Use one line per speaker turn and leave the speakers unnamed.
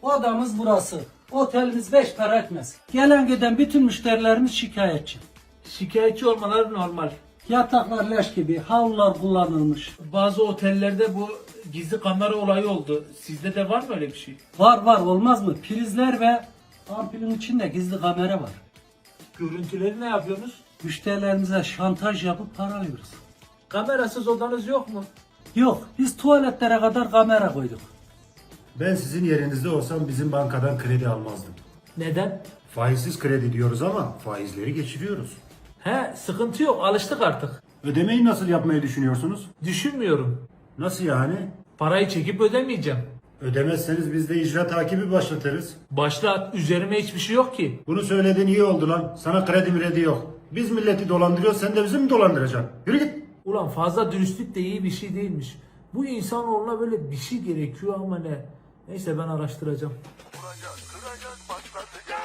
Odamız burası. Otelimiz 5 para etmez. Gelen giden bütün müşterilerimiz şikayetçi.
Şikayetçi olmaları normal.
Yataklar leş gibi, havlular kullanılmış.
Bazı otellerde bu gizli kamera olayı oldu. Sizde de var mı öyle bir şey?
Var olmaz mı? Prizler ve ampulün içinde gizli kamera var.
Görüntüleri ne yapıyorsunuz?
Müşterilerimize şantaj yapıp para alıyoruz.
Kamerasız odanız yok mu?
Yok, biz tuvaletlere kadar kamera koyduk.
Ben sizin yerinizde olsam bizim bankadan kredi almazdım.
Neden?
Faizsiz kredi diyoruz ama faizleri geçiriyoruz.
He, sıkıntı yok, alıştık artık.
Ödemeyi nasıl yapmayı düşünüyorsunuz?
Düşünmüyorum.
Nasıl yani?
Parayı çekip ödemeyeceğim.
Ödemezseniz biz de icra takibi başlatırız.
Başlat, üzerime hiçbir şey yok ki.
Bunu söylediğin iyi oldu lan. Sana kredi mredi yok. Biz milleti dolandırıyoruz, sen de bizi mi dolandıracaksın? Yürü git.
Ulan fazla dürüstlük de iyi bir şey değilmiş. Bu insanoğluna böyle bir şey gerekiyor ama ne? Neyse ben araştıracağım.